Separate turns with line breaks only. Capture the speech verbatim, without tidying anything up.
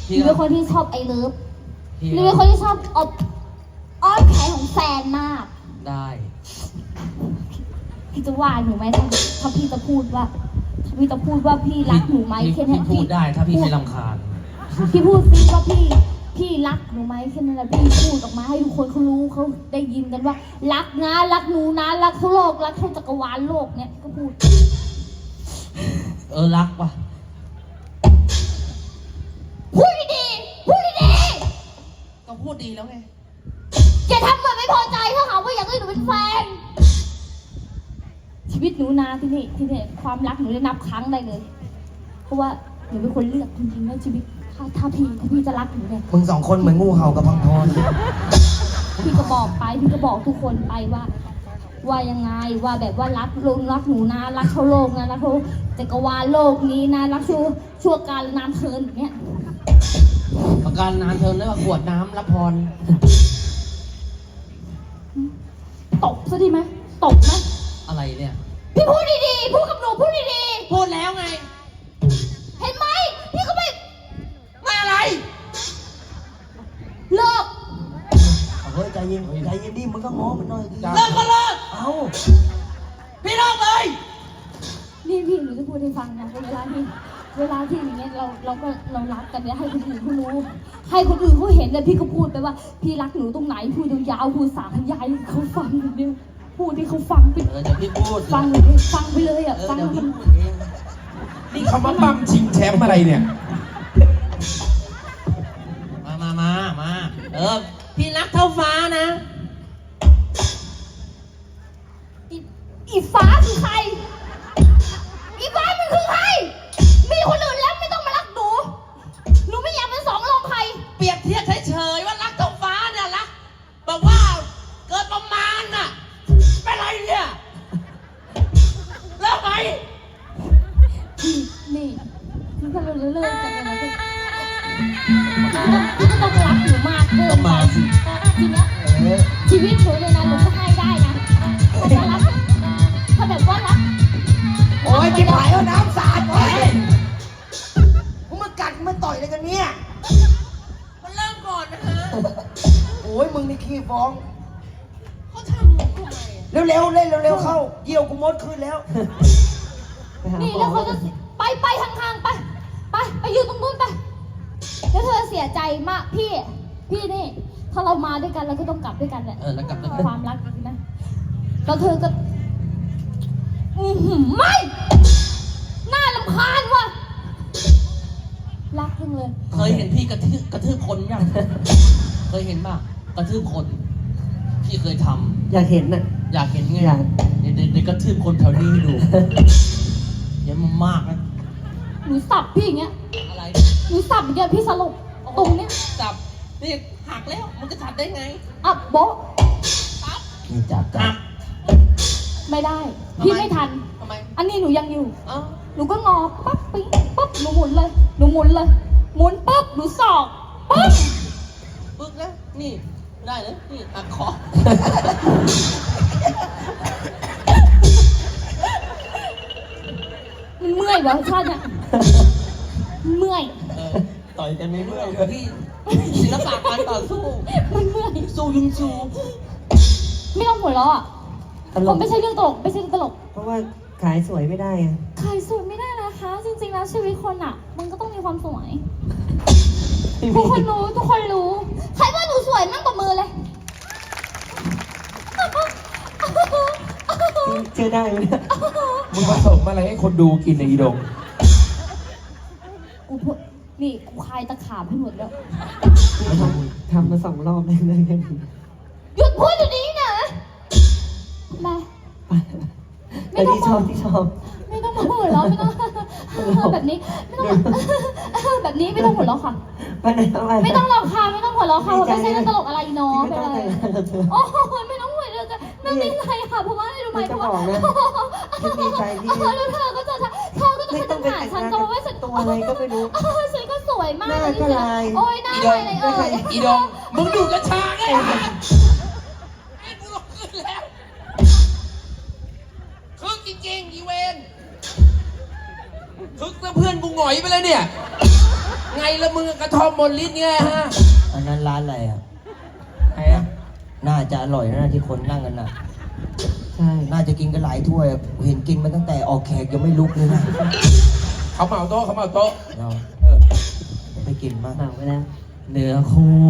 หนูเป็นคนที่ชอบไอเลิฟหนูเป็นคนที่ชอบอ้อนอ้อนแขนของแฟนมาก
ได้
พี่จะว่าหนูไหมถ้าถ้าพี่จะพูดว่าถ้าพี่จะพูดว่าพี่รักหนูไหมแค่นั้น
พี่พูดได้ถ้าพี่ไม่รำคาญ
พี่พูดซิว่าพี่พี่รักหนูไหมแค่นั้นแหละพี่พูดออกมาให้ทุกคนเขารู้เขาได้ยินกันว่ารักนะรักหนูนะรักทั้งโลกรักทั้งจักรวาลโลกเนี่ยก็พูด
เออรักว่ะ
พูดดีๆพูดดี
ๆก็พูดดีแล้วไง
อย่าทำเหมือนไม่พอใจถ้าหาว่าอยากให้หนูเป็นแฟนชีวิตหนูนาที่นี่ที่นี่ความรักหนูได้นับครั้งได้เลยเพราะว่าหนูเป็นคนเลือกจริงๆแล้วชีวิตถ้าถ้าพี่ถ้าพี่จะรักหนูเนี่ย
มึงสองคนเหมือนงูเห่ากับพังพร
พี่ก็บอกไปพี่ก็บอกทุกคนไปว่าว่ายังไงว่าแบบว่ารักลงรักหนูนะรักเขาโลกนะรักเขาจักรวาลโลกนี้นะรักชั่วชั่วการนานเทินแบบเนี้ย
ประการนานเทินแล้วขวดน้ำรับพร
ตบซะดีไหมตบไหม
อะไรเนี่ย
พี่พูดดีๆพูดกับหนูพูดดี
ๆพูดแล้วไง
เห็นไหมพี่ก็ไม่
ไม่อะไร
เลิก
เฮ้ยใจเย็นใจเย็นดิมึงก็ง้อมันหน่อยดิ
เลิกก็เลิก
เอ้า
พี่เลิกเลย
นี่พี่หนูจะพูดให้ฟังนะเวลาที่เวลาที่อย่างเงี้ยเราเราก็เรารักกันเนี่ยให้คนอื่นเขารู้ให้คนอื่นเขาเห็นเลยพี่ก็พูดไปว่าพี่รักหนูตรงไหนพูดยาวๆพูดสาธยายเขาฟังอย่างเดียวพูดที่เขาฟังไป
เออเดี๋ยวพี่พูด
ฟังเลยฟังไปเลยอ่ะฟัง
มัน
นี่คำว่าปั้มชิงแชมป์อะไรเนี่ย
มามามามาเออพี่รักเท่าฟ้านะ
อีฟ้าคือใครอีฟ้ามันคือใครมีคนอื่นแล้วไม่ต้องมารักหนูหนูไม่อยากเป็นสองรองใคร
เปรียบเทียบเฉยๆว่ารักเท่าฟ้าเนี่ยรักบอกว่าเกิดประมาณน่ะเป็นไรเนี่ยเลิกไหม
นี่นี่ถ้าเราเลิกกันนะพี่พี่ก็ต้องรักหนูมากเกินไปทีเนี้ยชีวิตหนูเลยนะหนูก็ให้ได้นะถ้ารักถ้าแบบว่ารัก
โอ้ยจิ๋วหายเอาน้ำสาดโอ้ยมึงมากัดมึงมาต่อยอะไรกันเนี่ย
มันเริ่มก่อนนะฮะ
โอ้ยมึงนี่ขี้ฟ้อง
เขาทำทำไม
เร็วๆเล่นเร็วๆเข้าเยี่ยวกูมดขึ้นแล้ว
นี่แล้วเขาจะไปไปห่างๆไปไปไปอยู่ตรงนู้นไปแล้วเธอเสียใจมากพี่พี่นี่ถ้าเรามาด้วยกันเราก็ต้องกลับด้วยกันแหละ
เออแล้วกลับด้วย
ความรักนะแล้วเธอก็อือหือไม่น่ารำคาญว่ะรักจังเลย
เคยเห็นพี่กระทืบกระทืบคนยังเคยเห็นป่ะกระทืบคนพี่เคยทำ
อยากเห็นน่ะ
อยากเห็นไงเดี๋ยวเดี๋ยวกระทืบคนแถวนี้ให้ดูเยอะมากนะ
หนูสับพี่อย่างเงี้ย
อะไร
หนูสับอย่างเงี้ยพี่สลบตรงเนี้ย
สับนี่หักแล้วมันจะจับได้ไง
อ่ะโบ๊ะ
ปั๊บ
นี่จับกัน
ไม่ได้พี่ไม่ทัน
ทำไม
อันนี้หนูยังอยู่
อ๋อ
หนูก็งอปั๊บปิ๊งปั๊บหนูหมุนเลยหนูหมุนเลยหมุนปั๊บหนูสอกปั๊บ
ปึ๊กนะนี่ได้เลยนี่หักคอ
มันเมื่อยวะชาติเนี่ยเมื่อย
ต่อยกันไม่เมื่อยพี่ศิลปะการต่อสู้
มันเมื่อย
สู้ยุงชู
ไม่ต้องหัวเราะอ่ะผมไม่ใช่เรื่องตลกไม่ใช่เรื่องตลก
เพราะว่าขายสวยไม่ได้อะ
ขายสวยไม่ได้นะคะจริงๆแล้วชีวิตคนอ่ะมันก็ต้องมีความสวยทุกคนรู้ทุกคนรู้ใครว่าหนูสวยมั่งกว่ามือเลย
เชื่อได้ไหมเนี่ย
มึงผสมอะไรให้คนดูกินในอีดง
กูพูดนี่กูคลายตะขาบให้หมดแล้ว
ทำมาสองรอบเลยเลย
หยุดพูดอยู่นี้นะมา
ไม่ต้องชอบที่ชอบ
ไม่ต้องมาหัวเราะไม่ต้องแบบนี้ไม่ต้องแบบนี้ไม่ต้องหัวเราะค่ะไม่ต้องหรอกค่ะไม่ต้องหัวเราะค่ะไม่ใช่เรื่องตลกอะไรเนาะไปเลยโอ้ไม่ต้องหัวเราะไม่ไม่ไรค่ะเพราะว่าอะไรรู้ไหมเพราะว่า
ดีใจที่
แล้วเธอก็จะเธอก็จะเป็นหาฉันจะว่าฉัน
ตัวอะไรก็ไม่รู้
ฉันก็สวยมาก
เลย
โอ้ยหน้าอะไรเออ
อีดงมึงดูกระชากไอ้ไอ้กูขึ้นแล้วคึกจริงๆอีเวนคึกแล้วเพื่อนกูหงอยไปเลยเนี่ยไง
ละมึงกระท่อมหมดลิ้นไงฮะ
อันนั้นร้านอะไรอ่ะ
ใครอะ
น่าจะอร่อยนะที่คนนั่งกันน่ะ
ใช่
น่าจะกินกันหลายถ้วยอะเห็นกินมาตั้งแต่ออกแขกยังไม่ลุกเลยนะ
เขาเหมาโต๊ะเขาเหมาโต๊ะ
เรา
เออ
ไปกินมาก
เหมาไปแล้ว เนื้อคู่